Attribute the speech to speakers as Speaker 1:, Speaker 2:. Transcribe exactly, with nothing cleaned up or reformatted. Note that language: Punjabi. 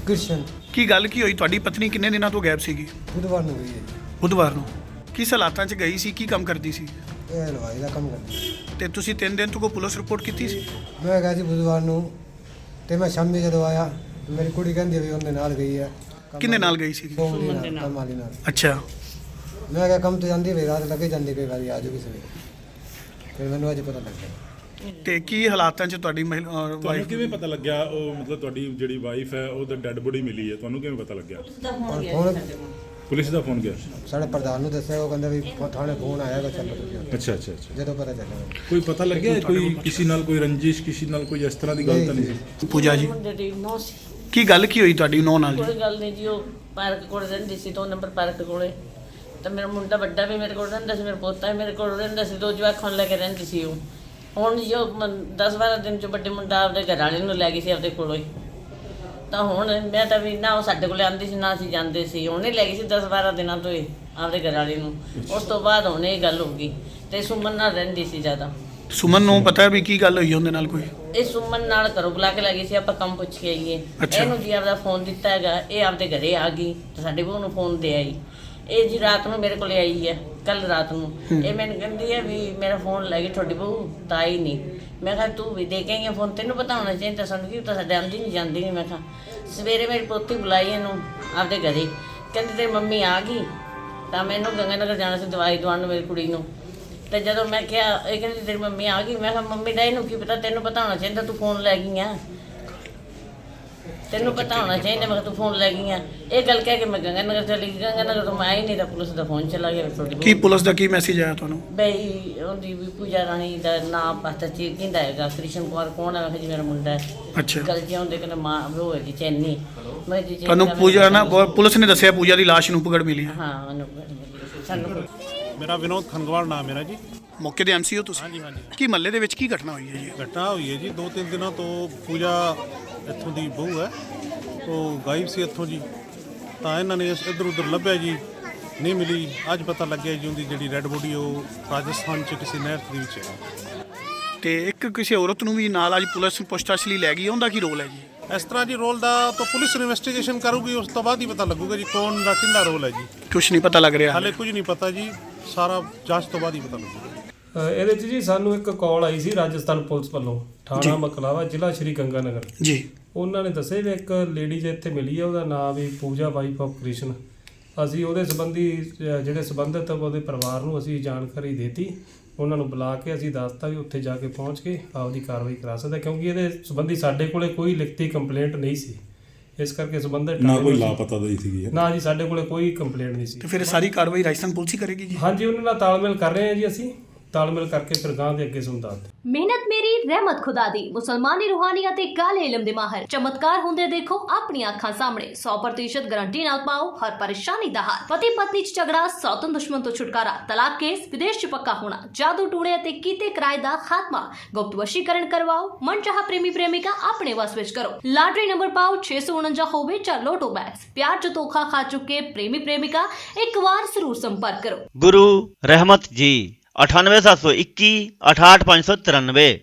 Speaker 1: कृष्ण।
Speaker 2: ਕੀ ਗੱਲ ਕੀ ਹੋਈ? ਤੁਹਾਡੀ ਪਤਨੀ ਕਿੰਨੇ ਦਿਨਾਂ ਤੋਂ ਗਾਇਬ ਸੀਗੀ?
Speaker 1: बुधवार ਨੂੰ ਗਈ ਹੈ ਜੀ।
Speaker 2: ਬੁੱਧਵਾਰ ਨੂੰ। ਕਿਸ ਹਾਲਾਤਾਂ 'ਚ ਗਈ ਸੀ? ਕੀ ਕੰਮ ਕਰਦੀ ਸੀ?
Speaker 1: ਇਹ ਹਲਵਾਈ ਦਾ ਕੰਮ ਕਰਦੀ ਹੈ।
Speaker 2: ਤੇ ਤੁਸੀਂ ਤਿੰਨ ਦਿਨ ਤੋਂ ਕੋਈ ਪੁਲਿਸ ਰਿਪੋਰਟ ਕੀਤੀ ਸੀ?
Speaker 1: ਮੈਂ ਗਿਆ ਸੀ ਬੁਧਵਾਰ ਨੂੰ ਤੇ ਮੈਂ ਸ਼ਾਮੀ ਜਦੋਂ ਆਇਆ ਮੇਰੀ ਕੁੜੀ ਕਹਿੰਦੀ ਵੀ ਉਹਦੇ ਨਾਲ ਗਈ ਹੈ।
Speaker 2: ਕਿੰਨੇ ਨਾਲ ਗਈ ਸੀ?
Speaker 1: ਸੋਮਲੀ ਨਾਲ, ਕੰਮ ਵਾਲੀ ਨਾਲ।
Speaker 2: ਅੱਛਾ।
Speaker 1: ਮੈਂ ਕਿਹਾ ਕੰਮ ਤੇ ਜਾਂਦੀ ਵੀ ਰਾਤ ਲੱਗੇ ਜਾਂਦੀ ਕਈ ਵਾਰੀ ਆ ਜਾਊਗੀ ਸਵੇਰੇ। ਫਿਰ ਮੈਨੂੰ ਅੱਜ ਪਤਾ ਲੱਗਿਆ।
Speaker 2: ਤੇ ਕੀ ਹਾਲਾਤਾਂ 'ਚ ਤੁਹਾਡੀ ਮਹਿਲਾ
Speaker 3: ਤੁਹਾਨੂੰ
Speaker 2: ਵਾਈਫ?
Speaker 3: ਕਿਵੇਂ ਪਤਾ ਲੱਗਿਆ ਉਹ ਮਤਲਬ ਤੁਹਾਡੀ ਜਿਹੜੀ ਵਾਈਫ ਹੈ ਉਹਦਾ ਡੈੱਡ ਬੋਡੀ ਮਿਲੀ ਹੈ, ਤੁਹਾਨੂੰ ਕਿਵੇਂ ਪਤਾ ਲੱਗਿਆ?
Speaker 1: ਔਰ ਫੋਨ
Speaker 3: ਪੁਲਿਸ ਦਾ ਫੋਨ ਗਿਆ?
Speaker 1: ਸਾਡੇ ਪ੍ਰਧਾਨ ਨੂੰ ਦੱਸਿਆ, ਉਹ ਕਹਿੰਦਾ ਵੀ ਥਾਣੇ ਫੋਨ ਆਏਗਾ, ਚੱਲੋ ਤੁਸੀਂ ਉੱਥੇ।
Speaker 3: ਅੱਛਾ ਅੱਛਾ ਅੱਛਾ।
Speaker 1: ਜਦੋਂ ਪਤਾ ਚੱਲਿਆ
Speaker 3: ਕੋਈ ਪਤਾ ਲੱਗਿਆ ਕੋਈ ਕਿਸੇ ਨਾਲ ਕੋਈ ਰੰਜਿਸ਼ ਕਿਸੇ ਨਾਲ ਕੋਈ ਇਸ ਤਰ੍ਹਾਂ ਦੀ ਗੱਲ ਤਾਂ ਨਹੀਂ ਸੀ?
Speaker 2: ਪੂਜਾ ਜੀ,
Speaker 4: ਮੁੰਡੇ ਦੀ ਨੌ ਸੀ।
Speaker 2: ਕੀ ਗੱਲ ਕੀ ਹੋਈ ਤੁਹਾਡੀ ਨੌ ਨਾਲ ਜੀ?
Speaker 4: ਕੋਈ ਗੱਲ ਨਹੀਂ ਜੀ, ਉਹ ਪਾਰਕ ਕੋਲ ਰਹਿੰਦੀ ਸੀ, ਦੋ ਨੰਬਰ ਪਾਰਕ ਕੋਲੇ। ਤਾਂ ਮੇਰਾ ਮੁੰਡਾ ਵੱਡਾ ਵੀ ਮੇਰੇ ਕੋਲ ਰਹਿੰਦਾ ਸੀ, ਮੇਰਾ ਪੋਤਾ ਵੀ ਮੇਰੇ ਕੋਲ ਰਹਿੰਦਾ ਸੀ, ਦੋ ਜਵਾਕਾਂ ਨੂੰ ਲੈ ਕੇ ਰਹਿੰਦੀ ਸੀ ਉਹ। ਹੁਣ ਜੋ ਦਸ ਬਾਰਾਂ ਦਿਨ 'ਚ ਵੱਡੇ ਮੁੰਡਾ ਆਪਦੇ ਘਰ ਵਾਲੇ ਨੂੰ ਲੈ ਗਈ ਸੀ ਆਪਦੇ ਕੋਲੋਂ ਹੀ। ਤਾਂ ਹੁਣ ਮੈਂ ਤਾਂ ਵੀ ਨਾ ਉਹ ਸਾਡੇ ਕੋਲੇ ਆਉਂਦੀ ਸੀ ਨਾ ਅਸੀਂ ਜਾਂਦੇ ਸੀ, ਉਹਨੇ ਲੈ ਗਈ ਸੀ ਦਸ ਬਾਰਾਂ ਦਿਨਾਂ ਤੋਂ ਹੀ ਆਪਦੇ ਘਰ ਵਾਲੇ ਨੂੰ। ਉਸ ਤੋਂ ਬਾਅਦ ਹੁਣ ਇਹ ਗੱਲ ਹੋ ਗਈ ਤੇ ਸੁਮਨ ਨਾਲ ਰਹਿੰਦੀ ਸੀ ਜ਼ਿਆਦਾ।
Speaker 2: ਸੁਮਨ ਨੂੰ ਪਤਾ ਵੀ ਕੀ ਗੱਲ ਹੋਈ ਉਹਦੇ ਨਾਲ ਕੋਈ?
Speaker 4: ਇਹ ਸੁਮਨ ਨਾਲ ਘਰੋਂ ਬੁਲਾ ਕੇ ਲੈ ਗਈ ਸੀ, ਆਪਾਂ ਕੰਮ ਪੁੱਛ ਕੇ ਆਈਏ।
Speaker 2: ਅੱਛਾ।
Speaker 4: ਇਹਨੂੰ ਜੀ ਆਪਦਾ ਫੋਨ ਦਿੱਤਾ ਹੈਗਾ, ਇਹ ਆਪਦੇ ਘਰੇ ਆ ਗਈ ਤੇ ਸਾਡੇ ਬਹੂ ਨੂੰ ਫੋਨ ਦੇ ਆਈ। ਇਹ ਜੀ ਰਾਤ ਨੂੰ ਮੇਰੇ ਕੋਲੇ ਆਈ ਹੈ, ਕੱਲ ਰਾਤ ਨੂੰ। ਇਹ ਮੈਨੂੰ ਕਹਿੰਦੀ ਹੈ ਵੀ ਮੇਰਾ ਫੋਨ ਲੈ ਗਈ ਤੁਹਾਡੀ ਬਹੂ, ਤਾਂ ਆਈ ਨਹੀਂ। ਮੈਂ ਕਿਹਾ ਤੂੰ ਵੀ ਦੇ ਕੇ ਆਈ ਹੈ ਫੋਨ, ਤੈਨੂੰ ਪਤਾ ਹੋਣਾ ਚਾਹੀਦਾ, ਸਾਨੂੰ ਕੀ ਤਾਂ ਸਾਡੇ ਆਉਂਦੀ ਨਹੀਂ ਜਾਂਦੀ ਨਹੀਂ। ਮੈਂ ਕਿਹਾ ਸਵੇਰੇ ਮੇਰੀ ਪੋਤੀ ਬੁਲਾਈ ਇਹਨੂੰ ਆਪਦੇ ਘਰੇ, ਕਹਿੰਦੀ ਤੇਰੀ ਮੰਮੀ ਆ ਗਈ। ਤਾਂ ਮੈਨੂੰ ਗੰਗਾਨਗਰ ਜਾਣਾ ਸੀ ਦਵਾਈ ਦਵਾਉਣ ਨੂੰ ਮੇਰੀ ਕੁੜੀ ਨੂੰ। ਤੇ ਜਦੋਂ ਮੈਂ ਕਿਹਾ, ਇਹ ਕਹਿੰਦੀ ਤੇਰੀ ਮੰਮੀ ਆ ਗਈ। ਮੈਂ ਕਿਹਾ ਮੰਮੀ ਦਾ ਇਹਨੂੰ ਕੀ ਪਤਾ, ਤੈਨੂੰ ਪਤਾ ਹੋਣਾ ਚਾਹੀਦਾ, ਤੂੰ ਫੋਨ ਲੈ ਗਈ ਆ, ਤੈਨੂੰ ਪਤਾ ਹੋਣਾ ਚਾਹੀਦਾ। ਮੈਂ ਕਿਹਾ ਤੂੰ ਫੋਨ ਲੈ ਗਈ ਆ। ਇਹ ਗੱਲ ਕਹਿ ਕੇ ਮੈਂ ਗੰਗਾਨਗਰ ਚਲੀ ਗਈ। ਗੰਗਾਨਗਰ ਤੋਂ ਮੈਂ ਆਈ ਨਹੀਂ ਤਾਂ ਪੁਲਿਸ ਦਾ ਫੋਨ ਚਲਾ ਗਿਆ ਤੁਹਾਡੀ
Speaker 2: ਕੀ ਪੁਲਿਸ ਦਾ ਕੀ ਮੈਸੇਜ ਆਇਆ ਤੁਹਾਨੂੰ?
Speaker 4: ਬਈ ਉਹਦੀ ਵੀ ਪੂਜਾ ਰਾਣੀ ਦਾ ਨਾਮ ਪਤਾ ਚੀ ਕਿੰਦਾ ਹੈਗਾ, ਕ੍ਰਿਸ਼ਨ ਕੁਮਾਰ ਕੌਣ ਹੈ? ਮੈਂ ਕਿਹਾ ਜੀ ਮੇਰਾ ਮੁੰਡਾ ਹੈ।
Speaker 2: ਅੱਛਾ।
Speaker 4: ਗੱਲ ਜੀ ਉਹਦੇ ਕਹਿੰਦੇ ਮਾਂ ਉਹ ਹੈਗੀ ਚੈਨੀ। ਮੈਂ ਜੀ
Speaker 2: ਤੁਹਾਨੂੰ ਪੂਜਾ ਨਾ ਪੁਲਿਸ ਨੇ ਦੱਸਿਆ ਪੂਜਾ ਦੀ ਲਾਸ਼ ਨੂੰ ਪਕੜ ਮਿਲੀ ਹੈ?
Speaker 4: ਹਾਂ ਉਹਨੂੰ ਸਾਨੂੰ
Speaker 5: ਮੇਰਾ ਵਿਨੋਦ ਖੰਗਵਾਲ ਨਾਮ ਮੇਰਾ ਜੀ।
Speaker 2: ਮੌਕੇ ਦੇ ਐਮਸੀ ਹੋ ਤੁਸੀਂ?
Speaker 5: ਹਾਂਜੀ ਹਾਂਜੀ।
Speaker 2: ਕੀ ਮਹੱਲੇ ਦੇ ਵਿੱਚ ਕੀ ਘਟਨਾ ਹੋਈ ਹੈ ਜੀ?
Speaker 5: ਘਟਨਾ ਹੋਈ ਹੈ ਜੀ, ਦੋ ਤਿੰਨ ਦਿਨਾਂ ਤੋਂ ਪੂਜਾ ਇੱਥੋਂ ਦੀ ਬਹੂ ਹੈ, ਉਹ ਗਾਇਬ ਸੀ ਇੱਥੋਂ ਜੀ। ਤਾਂ ਇਹਨਾਂ ਨੇ ਇੱਧਰ ਉੱਧਰ ਲੱਭਿਆ ਜੀ, ਨਹੀਂ ਮਿਲੀ। ਅੱਜ ਪਤਾ ਲੱਗਿਆ ਜੀ ਉਹਦੀ ਜਿਹੜੀ ਰੈੱਡ ਬੋਡੀ ਉਹ ਰਾਜਸਥਾਨ 'ਚ ਕਿਸੇ ਨਹਿਰ ਦੇ ਵਿੱਚ ਹੈ।
Speaker 2: ਤੇ ਇੱਕ ਕਿਸੇ ਔਰਤ ਨੂੰ ਵੀ ਨਾਲ ਅੱਜ ਪੁਲਿਸ ਪੁੱਛਤਾਛ ਲਈ ਲੈ ਗਈ, ਉਹਦਾ ਕੀ ਰੋਲ ਹੈ ਜੀ?
Speaker 5: ਇਸ ਤਰ੍ਹਾਂ ਜੀ ਰੋਲ ਦਾ ਤਾਂ ਪੁਲਿਸ ਇਨਵੈਸਟੀਗੇਸ਼ਨ ਕਰੂਗੀ, ਉਸ ਤੋਂ ਬਾਅਦ ਹੀ ਪਤਾ ਲੱਗੂਗਾ ਜੀ ਕੌਣ ਦਾ ਕਿੰਦਾ ਰੋਲ ਹੈ ਜੀ।
Speaker 2: ਕੁਛ ਨਹੀਂ ਪਤਾ ਲੱਗ ਰਿਹਾ
Speaker 5: ਹਾਲੇ ਕੁਝ ਨਹੀਂ ਪਤਾ ਜੀ, ਸਾਰਾ ਜਾਂਚ ਤੋਂ ਬਾਅਦ ਹੀ ਪਤਾ ਲੱਗੂਗਾ।
Speaker 6: ਅ, ਇਹਦੇ 'ਚ ਜੀ ਸਾਨੂੰ ਇੱਕ ਕਾਲ ਆਈ ਸੀ ਰਾਜਸਥਾਨ ਪੁਲਿਸ ਵੱਲੋਂ, ਥਾਣਾ ਮਕਲਾਵਾ, ਜ਼ਿਲ੍ਹਾ ਸ਼੍ਰੀ ਗੰਗਾਨਗਰ
Speaker 2: ਜੀ।
Speaker 6: ਉਹਨਾਂ ਨੇ ਦੱਸਿਆ ਵੀ ਇੱਕ ਲੇਡੀ ਜੇ ਇੱਥੇ ਮਿਲੀ ਹੈ, ਉਹਦਾ ਨਾਮ ਵੀ ਪੂਜਾ ਵਾਈਫ ਆਫ ਕ੍ਰਿਸ਼ਨ। ਅਸੀਂ ਉਹਦੇ ਸੰਬੰਧੀ ਅ, ਜਿਹੜੇ ਸੰਬੰਧਿਤ ਉਹਦੇ ਪਰਿਵਾਰ ਨੂੰ ਅਸੀਂ ਜਾਣਕਾਰੀ ਦਿੱਤੀ। ਉਹਨਾਂ ਨੂੰ ਬੁਲਾ ਕੇ ਅਸੀਂ ਦੱਸਤਾ ਵੀ ਉੱਥੇ ਜਾ ਕੇ ਪਹੁੰਚ ਕੇ ਆਪਦੀ ਕਾਰਵਾਈ ਕਰਾ ਸਕਦਾ, ਕਿਉਂਕਿ ਇਹਦੇ ਸੰਬੰਧੀ ਸਾਡੇ ਕੋਲੇ ਕੋਈ ਲਿਖਤੀ ਕੰਪਲੇਂਟ ਨਹੀਂ ਸੀ। ਇਸ ਕਰਕੇ ਸੰਬੰਧਿਤ
Speaker 3: ਨਾ ਕੋਈ ਲਾਪਤਾ ਦੀ ਸੀਗੀ?
Speaker 6: ਨਾ ਜੀ, ਸਾਡੇ ਕੋਲੇ ਕੋਈ ਕੰਪਲੇਂਟ ਨਹੀਂ ਸੀ।
Speaker 2: ਤੇ ਫਿਰ ਸਾਰੀ ਕਾਰਵਾਈ ਰਾਜਸਥਾਨ ਪੁਲਿਸ ਹੀ ਕਰੇਗੀ ਜੀ?
Speaker 6: ਹਾਂਜੀ, ਉਹਨਾਂ ਨਾਲ ਤਾਲਮੇਲ ਕਰ ਰਹੇ ਹਾਂ ਜੀ, ਅਸੀਂ ਤਾਲਮੇਲ ਕਰਕੇ ਫਿਰ ਗਾਂ ਦੇ ਅੱਗੇ ਸੁਣ ਦੱਸਦੇ।
Speaker 7: ਮਿਹਨਤ ਮੇਰੀ ਰਹਿਮਤ ਖੁਦਾ ਦੀ। ਮੁਸਲਮਾਨੀ ਰੂਹਾਨੀਅਤ ਤੇ ਕਾਲੇ ਇਲਮ ਦੇ ਮਾਹਰ ਚਮਤਕਾਰ ਹੁੰਦੇ ਦੇਖੋ ਆਪਣੀਆਂ ਅੱਖਾਂ ਸਾਹਮਣੇ। ਸੌ ਪ੍ਰਤੀਸ਼ਤ ਗਾਰੰਟੀ ਨਾਲ ਪਾਓ ਹਰ ਪਰੇਸ਼ਾਨੀ ਦਾ ਹੱਲ। ਪਤੀ ਪਤਨੀ ਚ ਝਗੜਾ, ਸੌਤਨ ਦੁਸ਼ਮਣ ਤੋਂ ਛੁਟਕਾਰਾ, ਤਲਾਕ ਕੇਸ, ਵਿਦੇਸ਼ ਚ ਪੱਕਾ ਹੋਣਾ, ਜਾਦੂ ਟੂਣੇ ਅਤੇ ਕੀਤੇ ਕਿਰਾਏ ਦਾ ਖਾਤਮਾ, ਗੁਪਤ ਵਸ਼ੀਕਰਨ ਕਰਵਾਓ, ਮਨਚਾਹਾ ਪ੍ਰੇਮੀ ਪ੍ਰੇਮਿਕਾ ਆਪਣੇ ਵਸ ਵਿੱਚ ਕਰੋ। ਲਾਟਰੀ ਨੰਬਰ ਪਾਓ ਛੇ ਸੌ ਉਨੰਜਾ ਹੋਵੇ ਜਾਂ ਲੋਟੋ ਬੈਗਸ। ਪਿਆਰ ਚ ਧੋਖਾ ਖਾ ਚੁੱਕੇ ਪ੍ਰੇਮੀ ਪ੍ਰੇਮਿਕਾ ਇੱਕ ਵਾਰ ਜ਼ਰੂਰ ਸੰਪਰਕ ਕਰੋ।
Speaker 8: गुरु रहमत जी अठानवे सात सौ इक्की अठाठ पाँच सौ तिरानवे।